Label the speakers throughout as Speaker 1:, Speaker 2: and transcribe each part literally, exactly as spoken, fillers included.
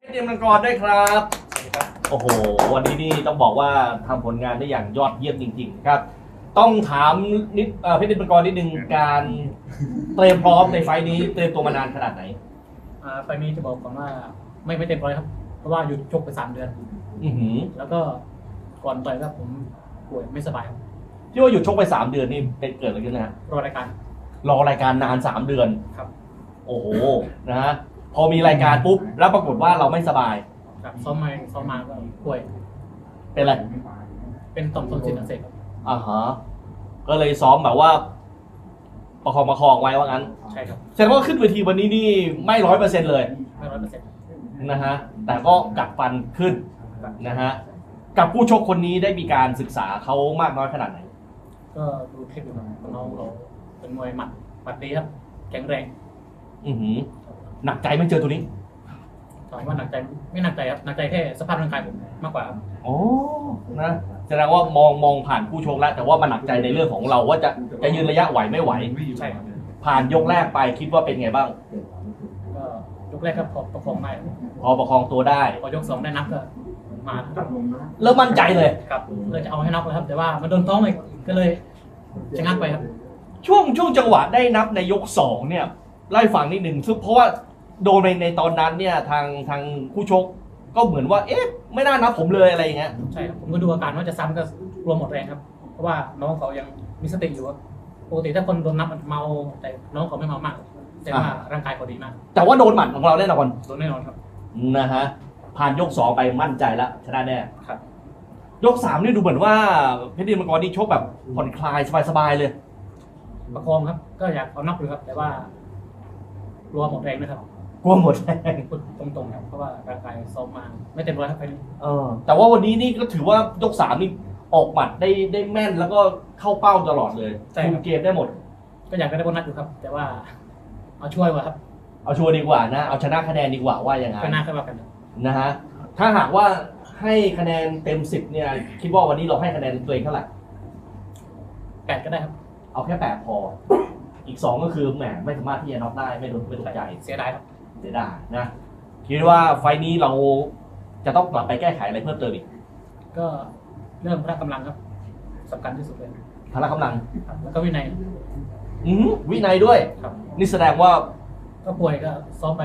Speaker 1: เตรียมมังกรด้วยครับโอ้โหวันนี้นี่ต้องบอกว่าทำผลงานได้อย่างยอดเยี่ยมจริงๆครับต้องถามนิดเพชรเตรียมมังกรนิดนึงการเตรียมพร้อมในไฟล์นี้เตรียมตัวมานานขนาดไหน
Speaker 2: อ่าไฟล์นี้จะบอกก่อนว่าไม่ไม่เต็มร้อยครับเพราะว่าหยุดชกไปสามเดือน
Speaker 1: อือหือ
Speaker 2: แล้วก็ก่อนต่อยก็ผมป่วยไม่สบายครับ
Speaker 1: ที่ว่าหยุดชกไปสามเดือนนี่เป็นเกิดอะไรขึ้นนะฮะ
Speaker 2: รอรายการ
Speaker 1: รอรายการนานสามเดือน
Speaker 2: ครับ
Speaker 1: โอ้โหนะฮะพอมีรายการปุ๊บแล้วปรากฏว่าเราไม่สบาย
Speaker 2: ครับซ้อมมาซ้อมมาก็ป่วย
Speaker 1: เป็นอะไร
Speaker 2: เป็นต่อมทนซิลอักเสบครับ
Speaker 1: อ่าฮะก็เลยซ้อมแบบว่าประคองประคองไว้ว่างั้น
Speaker 2: ใช่ครับ
Speaker 1: แสดงว่าขึ้นเวทีวันนี้นี่ไม่ร้อยเปอร์เซ็นต์เลย
Speaker 2: ไม่ร้อยเปอร์เซ็นต์
Speaker 1: นะฮะแต่ก็กัดฟันขึ้นนะฮะกับผู้ชกคนนี้ได้มีการศึกษาเขามากน้อยขนาดไหน
Speaker 2: ก็ดูคลิปอยู่ครับน้องเราเป็นมวยหมัดหมัดดีครับแข็งแรง
Speaker 1: อือหือหนักใจไม่เจอตัวนี้
Speaker 2: ถามว่าหนักใจไม่หนักใจครับหนักใจแค่สภาพร่างกายผมมากกว่าครับ
Speaker 1: โอ้นะแสดงว่ามองมองผ่านผู้ชกแล้วแต่ว่ามันหนักใจในเรื่องของเราว่าจะจะยืนระยะไหวไม่ไหว
Speaker 2: ใช่ครับ
Speaker 1: ผ่านยกแรกไปคิดว่าเป็นไงบ้าง
Speaker 2: ก็ยกแรกก็พอประคองได้
Speaker 1: พอประคองตัวได้
Speaker 2: พอยกสองได้นับก็มา
Speaker 1: เริ่มมั่นใจเลย
Speaker 2: ครับเลยจะเอาให้นับเลยครับแต่ว่ามันโดนท้องอีกก็เลยชะงักไปครับ
Speaker 1: ช่วงช่วงจังหวะได้นับในยกสองเนี่ยไล่ฟังนิดหนึ่งซึ่งเพราะว่าโดนในในตอนนั้นเนี่ยทางทางผู้ชกก็เหมือนว่าเอ๊ะไม่น่านับผมเลยอะไรอย่างเงี้ย
Speaker 2: ใช่ครับผมก็ดูอาการว่าจะซ้ำก็กลัวหมดแรงครับเพราะว่าน้องเขายังมีสติอยู่ครับปกติถ้าคนโดนนับมันเมาแต่น้องเขาไม่เมามากแต่ว่าร่างกายเขาดีมาก
Speaker 1: แต่ว่าโดนหมัดของเราแน่นอน
Speaker 2: โดนแน่นอนครับ
Speaker 1: นะฮะผ่านยกสองไปมั่นใจแล้วชนะแน่
Speaker 2: ครับ
Speaker 1: ยกสามนี่ดูเหมือนว่าเพชรเตรียมมังกรนี่ชกแบบผ่อนคลายสบายๆเลย
Speaker 2: ประคองครับก็อยากเอาน็อกเลยครับแต่ว่ากลัวหมดแรงนะครับ
Speaker 1: กลัวหมดแรง
Speaker 2: พูดตรงๆครับเพราะว่าร่างกายซ้อมมาไม่เต็มร้อยครับไปนี้
Speaker 1: เออแต่ว่าวันนี้นี่ก็ถือว่ายกสามนี่ออกหมัดได้ได้แม่นแล้วก็เข้าเป้าตลอดเลยคุมเกมได้หมด
Speaker 2: ก็อยากได้โบนัสอยู่ครับแต่ว่าเอาช่วยว่ะครับ
Speaker 1: เอาช่วยดีกว่านะเอาชนะคะแนนดีกว่าว่าอย่างไร
Speaker 2: ก็น่าค่อยว่ากัน
Speaker 1: นะฮะถ้าหากว่าให้คะแนนเต็มสิบเนี่ยคิดว่าวันนี้เราให้คะแนนตัวเองเท่าไหร่
Speaker 2: แปดก็ได้ครับ
Speaker 1: เอาแค่แปดพออีกสองก็คือแหมไม่สามารถที่จะน็อกได้ไม่โดนไม่โดนใจ
Speaker 2: เสียดายครับ
Speaker 1: เสียดายนะคิดว่าไฟนี้เราจะต้องกลับไปแก้ไขอะไรเพิ่มเติมอีก
Speaker 2: ก็เรื่องพละกำลังครับสำคัญที่สุดเลย
Speaker 1: พละกำลัง
Speaker 2: แล้วก็วินัย
Speaker 1: อืมวินัยด้วย
Speaker 2: ครับ
Speaker 1: นี่แสดงว่า
Speaker 2: ก็ป่วยก็ซ้อมไป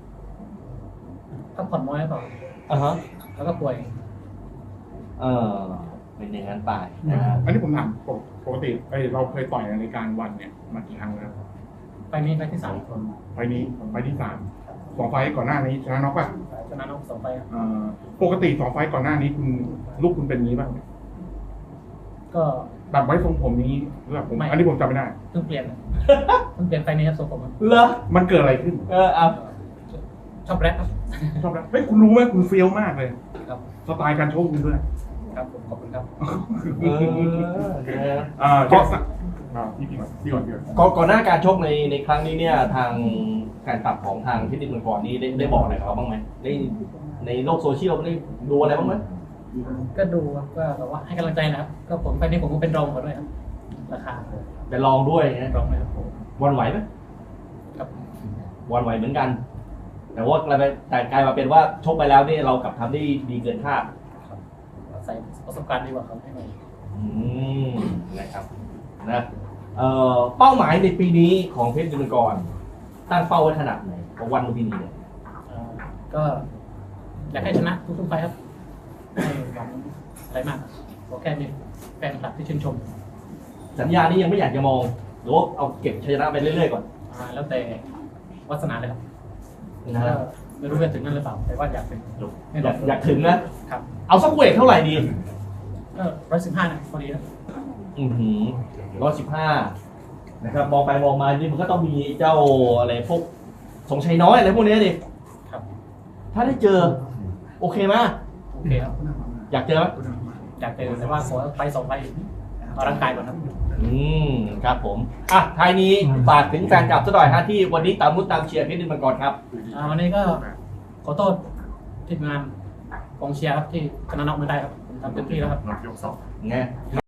Speaker 2: พักผ่อนน้อยหรือเปล่า
Speaker 1: อ่าฮะ
Speaker 2: แล้วก็ป่วย
Speaker 1: เออเป็นอย่างนั้นไปนะ
Speaker 3: อันนี้ผมถามปกติเราเคยต่อยในรายการวันเนี่ยมากี่ครั้งแล้ว
Speaker 2: ไปนี้ไปที่สาม
Speaker 3: ไปนี้ไปที่สามสองไฟก่อนหน้านี้ชนะน็อกป่ะ
Speaker 2: ชนะน็อกสองไฟ
Speaker 3: ปกติสองไฟก่อนหน้านี้คุณลูกคุณเป็นนี้บ้าง
Speaker 2: ก็
Speaker 3: แบบไว้ทรงผมนี้หรือแบบผมอันนี้ผมจำไม่ได้
Speaker 2: เพิ่งเปลี่ยนเพิ่งเปลี่ยนไฟนี้ครับทรงผม
Speaker 1: เหรอ
Speaker 3: มันเกิดอะไรขึ้น
Speaker 1: เออเอา
Speaker 2: ชอบแรปครับ
Speaker 3: ชอบแรปเฮ้ยคุณรู้ไหมคุณเฟี้ยวมากเลย
Speaker 2: ครับ
Speaker 3: สไตล์การโชว์คุณด้วย
Speaker 2: ครับผมขอบคุณครับ
Speaker 1: เออ
Speaker 3: อ่าก็พี่พี่ก่อนพี่ก่อนพี่ก่อน
Speaker 1: ก่อนหน้าการชกในในครั้งนี้เนี่ยทางการปรับของทางเพชรเตรียมมังกรนี้ได้ได้บอกอะไรเขาบ้างไหมได้ในโลกโซเชียลได้ดูอะไรบ้างไหม
Speaker 2: ก็ดูครับก็แบบว่าให้กำลังใจนะครับก็ผมไปนี่ผมก็เป็นรองเขาด้วยครับราคา
Speaker 1: เป็นรองด้วยนะ
Speaker 2: รองไหมครับ
Speaker 1: วันไหวไหม
Speaker 2: ครับ
Speaker 1: วันไหวเหมือนกันแต่ว่ากลายแต่กลายมาเป็นว่าชกไปแล้วนี่เรากลับทำได้ดีเกินคาด
Speaker 2: ใส่ประสบการณ์ดีกว่าเขาให้หน่อย
Speaker 1: อืมนะครับนะเอ่อเป้าหมายในปีนี้ของเพชรเตรียมมังกรตั้งเป้าไว้ขนาดไหนของวันลุมพินีเนี่ย
Speaker 2: ก็อยากให้ชนะทุกๆไฟครับไม่หวังอะไรมากขอแค่มีแฟนคลับที่ชื่นชม
Speaker 1: สัญญานี้ยังไม่อยากจะมองหรือว่าเอาเก็บชัยชนะไปเรื่อยๆก่อน
Speaker 2: แล้วแต่วาสนาเลยครับนะไม่รู้จะถึงนั่นหรือเปล่าแต่ว่าอยากถึง
Speaker 1: อยากอยากถึงนะครับเอาสักเวทเท่าไหร่ดี
Speaker 2: ก็ร้อยสิบห้านะพอดีนะ
Speaker 1: อือหือร้อยสิบห้านะครับมองไปมองมานี่มันก็ต้องมีเจ้าอะไรพวกสงชัยน้อยอะไรพวกนี้ดิ
Speaker 2: ครับ
Speaker 1: ถ้าได้เจอโอเคไหม
Speaker 2: โอเคครับ
Speaker 1: อยากเจอไหม
Speaker 2: อยากเจอแต่ว่าขอไปสองไปเอาร่างกายก่อนครับ
Speaker 1: อืมครับผมอ่ะท้ายนี้ฝากถึงแฟนคลับสักหน่อยฮะที่วันนี้ตามมุดตามเชียร์เพชรเตรียมมังกรครับ
Speaker 2: วันนี้ก็ขอโทษทีมงานกองเชียร์ครับที่ชนะน็อกไม่ได้ครับผมทำเต็มที่แล้วครับ
Speaker 3: น็อกยกสอง
Speaker 1: ไง